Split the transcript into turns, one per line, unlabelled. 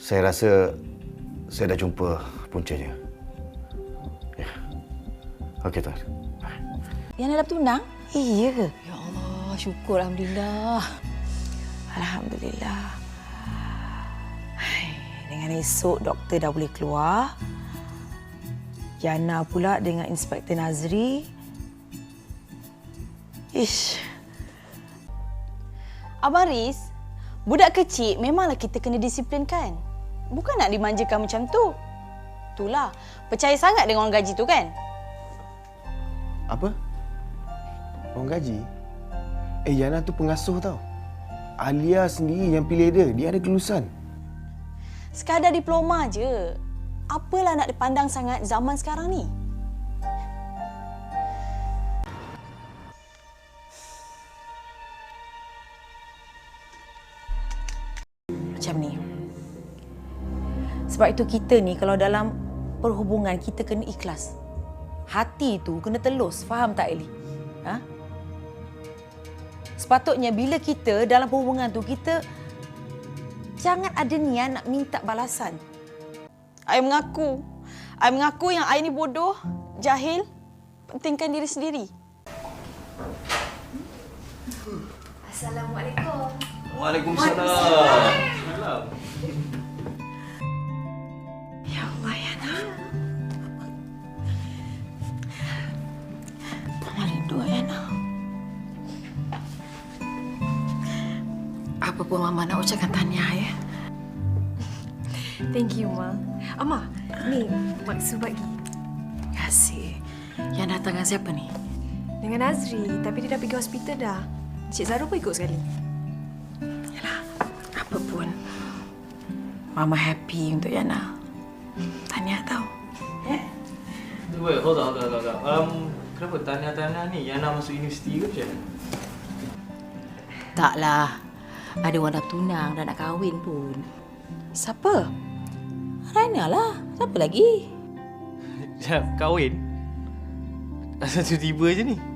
Saya rasa saya dah jumpa puncanya. Ya. Okey, Tuan.
Yang dah bertunang?
Iya ke?
Ya Allah, syukur Alhamdulillah.
Alhamdulillah. Hai, dengan esok doktor dah boleh keluar. Yana pula dengan Inspektor Nazri. Ish.
Abang Riz, budak kecil memanglah kita kena disiplinkan. Bukan nak dimanjakan macam tu. Itulah, percaya sangat dengan orang gaji tu kan?
Apa? Orang gaji? Yana tu pengasuh tau. Alia sendiri yang pilih dia. Dia ada kelulusan.
Sekadar diploma je. Apalah nak dipandang sangat zaman sekarang ni?
Macam ni. Sebab itu kita ni kalau dalam perhubungan kita kena ikhlas. Hati tu kena telus. Faham tak, Eli? Ha? Sepatutnya bila kita dalam perhubungan tu, kita jangan ada niat nak minta balasan.
I mengaku yang I ni bodoh, jahil, pentingkan diri sendiri.
Assalamualaikum.
Waalaikumsalam.
Ya Allah, Yana. Mama rindu, Yana. Apa pun Mama nak ucapkan tahniah, ya.
Thank you, Ma. Ama, ni maksud bagi.
Terima kasih. Yang datang dengan siapa ni?
Dengan Azri, tapi dia dah pergi hospital dah. Cik Zara pun ikut sekali.
Yalah, apa pun. Mama happy untuk Yana. Tahniah tau.
Wait, hold on. Kenapa tahniah-tahniah ni Yana masuk universiti ke macam mana?
Taklah. Ada orang dah tunang, dah nak kahwin pun.
Siapa? Raina lah. Siapa lagi?
Jap, kahwin? Asal tiba-tiba je ni?